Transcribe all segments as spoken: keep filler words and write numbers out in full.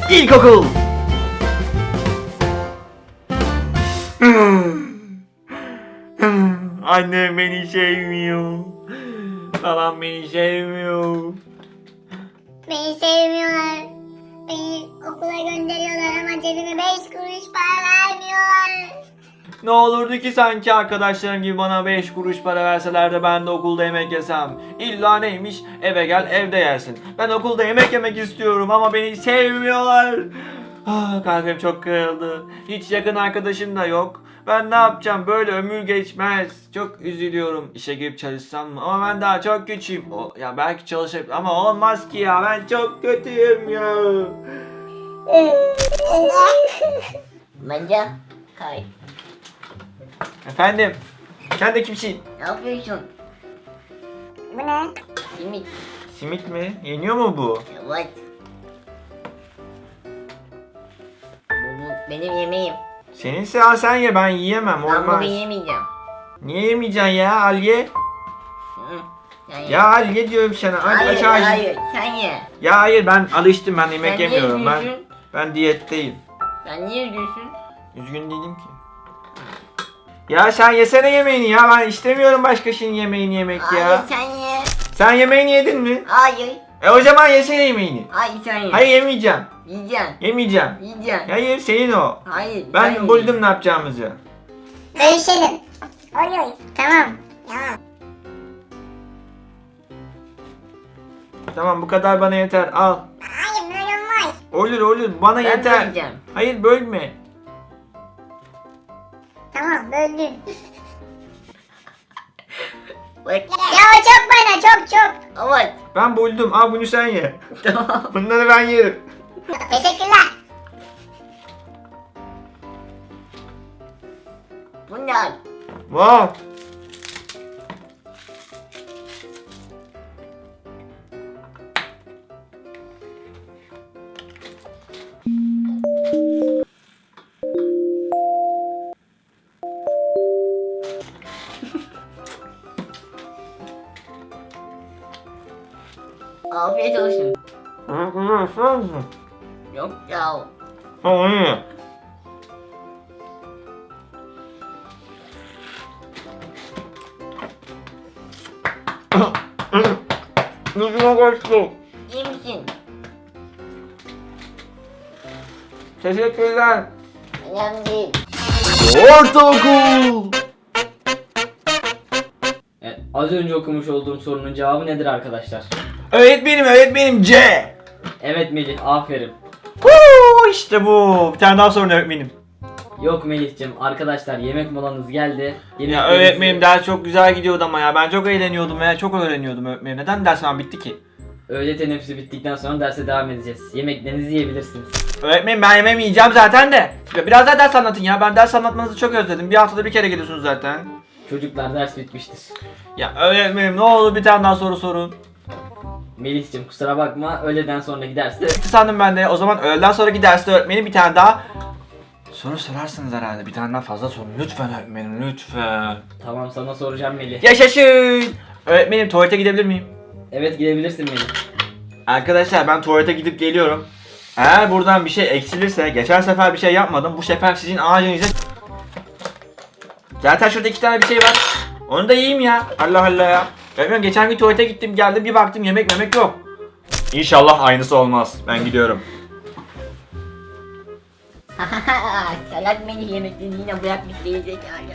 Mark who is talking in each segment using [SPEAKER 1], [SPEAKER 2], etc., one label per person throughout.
[SPEAKER 1] İlkokul. Annem beni sevmiyor. Babam beni sevmiyor.
[SPEAKER 2] Beni sevmiyorlar. Beni okula gönderiyorlar ama cebime beş kuruş para vermiyorlar.
[SPEAKER 1] Ne olurdu ki sanki arkadaşlarım gibi bana beş kuruş para verseler de ben de okulda yemek yesem. İlla neymiş? Eve gel evde yersin. Ben okulda yemek yemek istiyorum ama beni sevmiyorlar. Ah, kalbim çok kırıldı. Hiç yakın arkadaşım da yok. Ben ne yapacağım? Böyle ömür geçmez. Çok üzülüyorum. İşe girip çalışsam mı? Ama ben daha çok küçüğüm. O, ya belki çalışabilirim ama olmaz ki ya. Ben çok kötüyüm ya.
[SPEAKER 3] Bence kay.
[SPEAKER 1] Efendim? Sen de kimsin?
[SPEAKER 3] Ne yapıyorsun?
[SPEAKER 2] Bu ne?
[SPEAKER 3] Simit.
[SPEAKER 1] Simit mi? Yeniyor mu bu?
[SPEAKER 3] Evet. Bu, bu benim yemeğim.
[SPEAKER 1] Seninse al sen ye, ben yiyemem,
[SPEAKER 3] Ben bunu
[SPEAKER 1] olmaz.
[SPEAKER 3] yemeyeceğim.
[SPEAKER 1] Niye yemeyeceksin ya, al ye.
[SPEAKER 3] Hı, sen ye.
[SPEAKER 1] Ya al ye diyorum sana, hadi
[SPEAKER 3] hayır,
[SPEAKER 1] aç ağzını.
[SPEAKER 3] hayır, sen ye.
[SPEAKER 1] Ya hayır, ben alıştım, ben yemek
[SPEAKER 3] Sen niye
[SPEAKER 1] yemiyorum, ben
[SPEAKER 3] üzgünsün?
[SPEAKER 1] ben diyetteyim.
[SPEAKER 3] Sen niye üzgünsün?
[SPEAKER 1] Üzgün değilim ki. Ya sen yesene yemeğini ya, ben istemiyorum başkasının yemeğini yemek
[SPEAKER 3] Hayır,
[SPEAKER 1] ya.
[SPEAKER 3] sen ye.
[SPEAKER 1] Sen yemeğini yedin mi?
[SPEAKER 3] Hayır.
[SPEAKER 1] E o zaman yesene yemeğini.
[SPEAKER 3] Hayır, sen ye.
[SPEAKER 1] Hayır yemeyeceğim,
[SPEAKER 3] Yiyeceksin.
[SPEAKER 1] yemeyeceğim.
[SPEAKER 3] Yiyeceksin.
[SPEAKER 1] Hayır senin o.
[SPEAKER 3] Hayır. sen
[SPEAKER 1] Ben
[SPEAKER 3] ye.
[SPEAKER 1] buldum ne yapacağımızı.
[SPEAKER 2] Bölüşelim. Oy oy. Tamam. Tamam.
[SPEAKER 1] Tamam bu kadar bana yeter, al.
[SPEAKER 2] Hayır böyle olmaz.
[SPEAKER 1] Olur olur, bana
[SPEAKER 3] Ben
[SPEAKER 1] yeter.
[SPEAKER 3] böleceğim.
[SPEAKER 1] Hayır bölme.
[SPEAKER 2] Tamam böldün.
[SPEAKER 3] Bak.
[SPEAKER 2] Ya o çok bana çok çok.
[SPEAKER 3] Evet.
[SPEAKER 1] Ben buldum, al bunu sen ye.
[SPEAKER 3] Tamam.
[SPEAKER 1] Bunları ben yerim.
[SPEAKER 2] Teşekkürler.
[SPEAKER 3] Bunlar.
[SPEAKER 1] Wow.
[SPEAKER 3] Afiyet olsun.
[SPEAKER 1] Hı, bunu ısrar mısın?
[SPEAKER 3] Yok ya.
[SPEAKER 1] Tamam iyi. Yüzüme kaçtı.
[SPEAKER 3] İyi misin?
[SPEAKER 1] Teşekkürler.
[SPEAKER 3] Önemli değil.
[SPEAKER 1] Ortaokul.
[SPEAKER 4] Evet, az önce okumuş olduğum sorunun cevabı nedir arkadaşlar?
[SPEAKER 1] Öğretmenim, öğretmenim C.
[SPEAKER 4] Evet Melih, aferin.
[SPEAKER 1] Huu, işte bu. Bir tane daha sorun öğretmenim.
[SPEAKER 4] Yok Melih'cim, arkadaşlar yemek molanız geldi.
[SPEAKER 1] Ya
[SPEAKER 4] Yemeklerinizi-
[SPEAKER 1] öğretmenim ders çok güzel gidiyordu ama ya ben çok eğleniyordum ve çok öğreniyordum öğretmenim. Neden ders hemen bitti ki?
[SPEAKER 4] Öğle teneffüsü bittikten sonra derse devam edeceğiz. Yemeklerinizi yiyebilirsiniz.
[SPEAKER 1] Öğretmenim ben yemeğimi yiyeceğim zaten de. Ya biraz daha ders anlatın ya. Ben ders anlatmanızı çok özledim. Bir haftada bir kere geliyorsunuz zaten.
[SPEAKER 4] Çocuklar ders bitmiştir.
[SPEAKER 1] Ya öğretmenim ne olur bir tane daha soru sorun.
[SPEAKER 4] Melih'cim kusura bakma, öğleden sonraki derste
[SPEAKER 1] Bitti sandım ben de. O zaman öğleden sonraki derste öğretmenim bir tane daha soru sorarsınız herhalde. Bir tane daha fazla sorun. Lütfen öğretmenim lütfen.
[SPEAKER 4] tamam sana soracağım Melih.
[SPEAKER 1] Yaşasın. Öğretmenim tuvalete gidebilir miyim?
[SPEAKER 4] Evet gidebilirsin Melih.
[SPEAKER 1] Arkadaşlar ben tuvalete gidip geliyorum. Eğer buradan bir şey eksilirse, geçen sefer bir şey yapmadım. Bu sefer sizin ağacınıza... Zaten şurada iki tane bir şey var. Onu da yiyeyim ya. Allah Allah ya. Öğretmenim geçen gün tuvalete gittim geldim bir baktım yemek memek yok. İnşallah aynısı olmaz. Ben gidiyorum.
[SPEAKER 3] Salak beni yemeklerini yine bırakmış değil zekalı.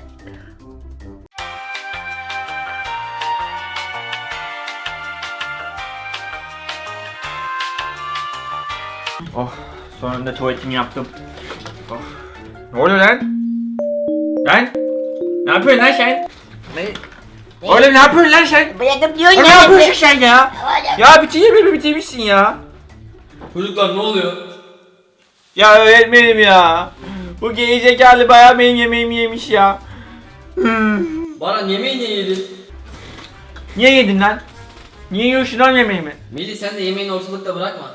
[SPEAKER 1] Oh, sonunda tuvaletimi yaptım. Oh. Ne oluyor lan? Lan? Ne yapıyorsun lan sen? Oğlum ne yapıyorsun lan sen?
[SPEAKER 3] Bırakıp diyorsun
[SPEAKER 1] Ne yapıyorsun sen ya? Ya bitireyim mi bitirmişsin ya?
[SPEAKER 4] Çocuklar ne oluyor?
[SPEAKER 1] Ya öğretmenim ya. Bu gerizekalı bayağı benim yemeğimi yemiş ya.
[SPEAKER 4] Bana yemeği niye yedin?
[SPEAKER 1] Niye yedin lan? Niye yiyorsun lan yemeğimi?
[SPEAKER 4] Melih sen de yemeğini ortalıkta bırakma.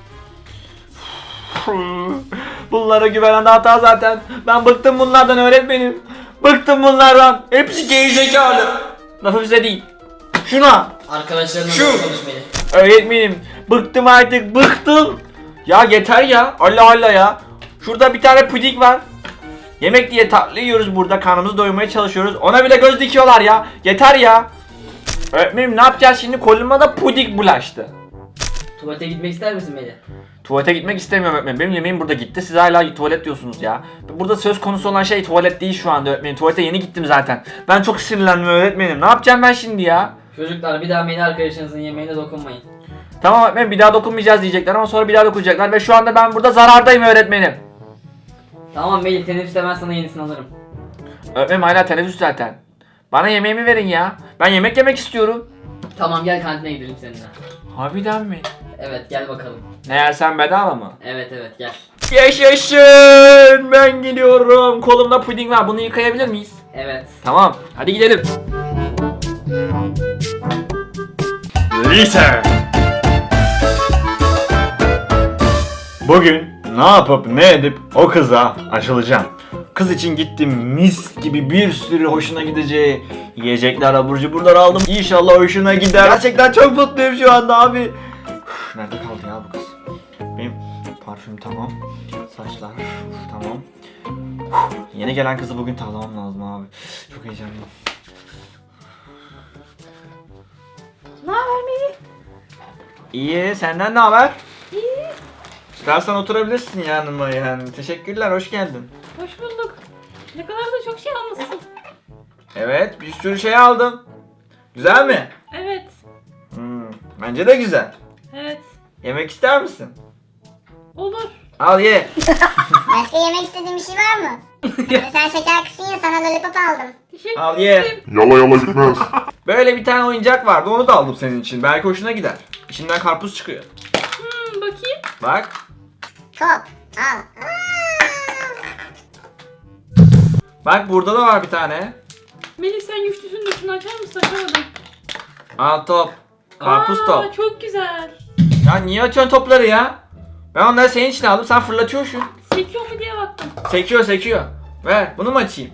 [SPEAKER 1] Bunlara güvenen de hata zaten. Ben bıktım bunlardan öğretmenim. Bıktım bunlardan. Hepsi gerizekalı. Lafı bize değil. Şuna.
[SPEAKER 4] Arkadaşlarına
[SPEAKER 1] Şu-
[SPEAKER 4] doğru konuş Melih.
[SPEAKER 1] Öğretmenim. Bıktım artık. Bıktım. Ya yeter ya. Allah Allah ya. Şurada bir tane puding var. Yemek diye tatlı yiyoruz burada. Karnımızı doyurmaya çalışıyoruz. Ona bile göz dikiyorlar ya. Yeter ya. Öğretmenim ne yapacağız şimdi? Koluma da puding bulaştı.
[SPEAKER 4] Tuvalete gitmek ister misin Melih?
[SPEAKER 1] Tuvalete gitmek istemiyorum öğretmenim. Benim yemeğim burada gitti. Siz hala tuvalet diyorsunuz ya. Burada söz konusu olan şey tuvalet değil şu anda öğretmenim. Tuvalete yeni gittim zaten. Ben çok sinirlendim öğretmenim. Ne yapacağım ben şimdi ya?
[SPEAKER 4] Çocuklar bir daha Melih arkadaşınızın yemeğine dokunmayın.
[SPEAKER 1] Tamam öğretmenim bir daha dokunmayacağız diyecekler ama sonra bir daha dokunacaklar. Ve şu anda ben burada zarardayım öğretmenim.
[SPEAKER 4] Tamam Melih, teneffüste ben sana yenisini alırım.
[SPEAKER 1] Öğretmenim hala teneffüs zaten. Bana yemeğimi verin ya. Ben yemek yemek istiyorum.
[SPEAKER 4] Tamam gel kantine gidelim seninle.
[SPEAKER 1] Harbiden mi?
[SPEAKER 4] Evet gel bakalım.
[SPEAKER 1] Ne yersen bedava mı?
[SPEAKER 4] Evet evet gel.
[SPEAKER 1] Yaşasın! Ben gidiyorum. Kolumda puding var. Bunu yıkayabilir miyiz?
[SPEAKER 4] Evet.
[SPEAKER 1] Tamam. Hadi gidelim. Lise. Bugün ne yapıp ne edip o kıza aşılacağım. Kız için gittim, mis gibi bir sürü hoşuna gideceği yiyecekler, abur cuburlar aldım. İnşallah hoşuna gider. Gerçekten çok mutluyum şu anda abi. Üf, nerede kaldı ya bu kız? Benim parfüm tamam. Saçlar uf, tamam. Uf, yeni gelen kızı bugün tavlamam lazım abi. Çok heyecanlıyım.
[SPEAKER 3] Ne haber Melih?
[SPEAKER 1] İyi, senden ne haber?
[SPEAKER 3] İyi.
[SPEAKER 1] İstersen oturabilirsin yanıma yani. Teşekkürler, hoş geldin.
[SPEAKER 3] Hoş bulduk. Ne kadar da çok şey almışsın.
[SPEAKER 1] Evet, bir sürü şey aldım. Güzel mi?
[SPEAKER 3] Evet.
[SPEAKER 1] Hmm, bence de güzel.
[SPEAKER 3] Evet.
[SPEAKER 1] Yemek ister misin?
[SPEAKER 3] Olur.
[SPEAKER 1] Al ye.
[SPEAKER 2] Başka yemek istediğin bir şey var mı? Hani sen şeker kısın ya sana lollipop aldım.
[SPEAKER 3] Teşekkür
[SPEAKER 1] Al ye.
[SPEAKER 3] ederim.
[SPEAKER 5] Yala yala gitmez.
[SPEAKER 1] Böyle bir tane oyuncak vardı, onu da aldım senin için. Belki hoşuna gider. İçinden karpuz çıkıyor.
[SPEAKER 3] Hmm, bakayım.
[SPEAKER 1] Bak.
[SPEAKER 2] Top. Al. Aa!
[SPEAKER 1] Bak burada da var bir tane.
[SPEAKER 3] Melih sen güçlüsün de şunu açar mısın? Açamadım.
[SPEAKER 1] Al top. Karpuz
[SPEAKER 3] Aa,
[SPEAKER 1] top.
[SPEAKER 3] çok güzel.
[SPEAKER 1] Ya niye açıyorsun topları ya? Ben onları senin için aldım, sen fırlatıyorsun.
[SPEAKER 3] Sekiyor mu diye baktım.
[SPEAKER 1] Sekiyor sekiyor. Ver, bunu mu açayım?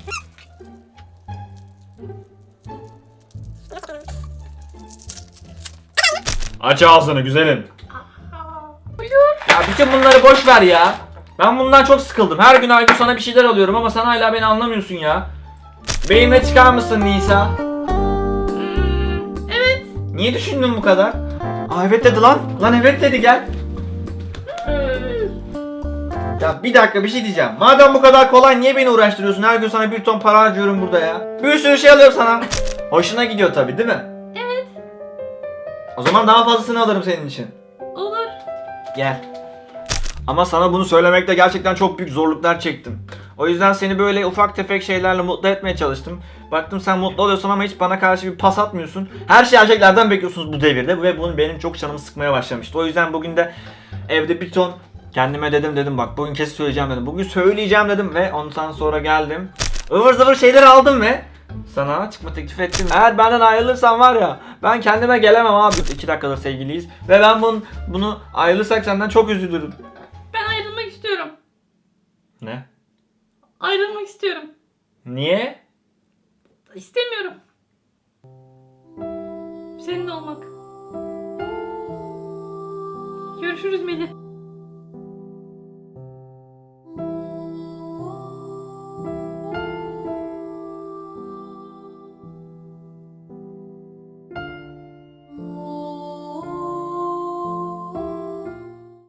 [SPEAKER 1] Aç ağzını güzelim.
[SPEAKER 3] Buyur.
[SPEAKER 1] Ya bütün bunları boş ver ya. Ben bundan çok sıkıldım. Her gün her gün sana bir şeyler alıyorum ama sen hala beni anlamıyorsun ya. Benimle çıkar mısın Nisa?
[SPEAKER 3] Hmm, evet.
[SPEAKER 1] Niye düşündün bu kadar? Aa evet dedi lan. Lan evet dedi gel.
[SPEAKER 3] Hmm.
[SPEAKER 1] Ya bir dakika bir şey diyeceğim. Madem bu kadar kolay niye beni uğraştırıyorsun? Her gün sana bir ton para harcıyorum burada ya. Bir sürü şey alıyorum sana. Hoşuna gidiyor tabii değil mi?
[SPEAKER 3] Evet.
[SPEAKER 1] O zaman daha fazlasını alırım senin için.
[SPEAKER 3] Olur.
[SPEAKER 1] Gel. Ama sana bunu söylemekte gerçekten çok büyük zorluklar çektim. O yüzden seni böyle ufak tefek şeylerle mutlu etmeye çalıştım. Baktım sen mutlu oluyorsun ama hiç bana karşı bir pas atmıyorsun. Her şeyi erkeklerden bekliyorsunuz bu devirde ve bunu benim çok canımı sıkmaya başlamıştı. O yüzden bugün de evde bir ton kendime dedim dedim bak bugün kesin söyleyeceğim dedim. Bugün söyleyeceğim dedim ve ondan sonra geldim. Ivır zıvır şeyler aldım ve sana çıkma teklif ettim. Eğer benden ayrılırsan var ya ben kendime gelemem abi. iki dakikadır sevgiliyiz ve ben bunu, bunu ayrılırsak senden çok üzülürüm.
[SPEAKER 3] Ben ayrılmak istiyorum.
[SPEAKER 1] Ne?
[SPEAKER 3] Ayrılmak istiyorum.
[SPEAKER 1] Niye?
[SPEAKER 3] İstemiyorum. Seninle olmak. Görüşürüz Melih.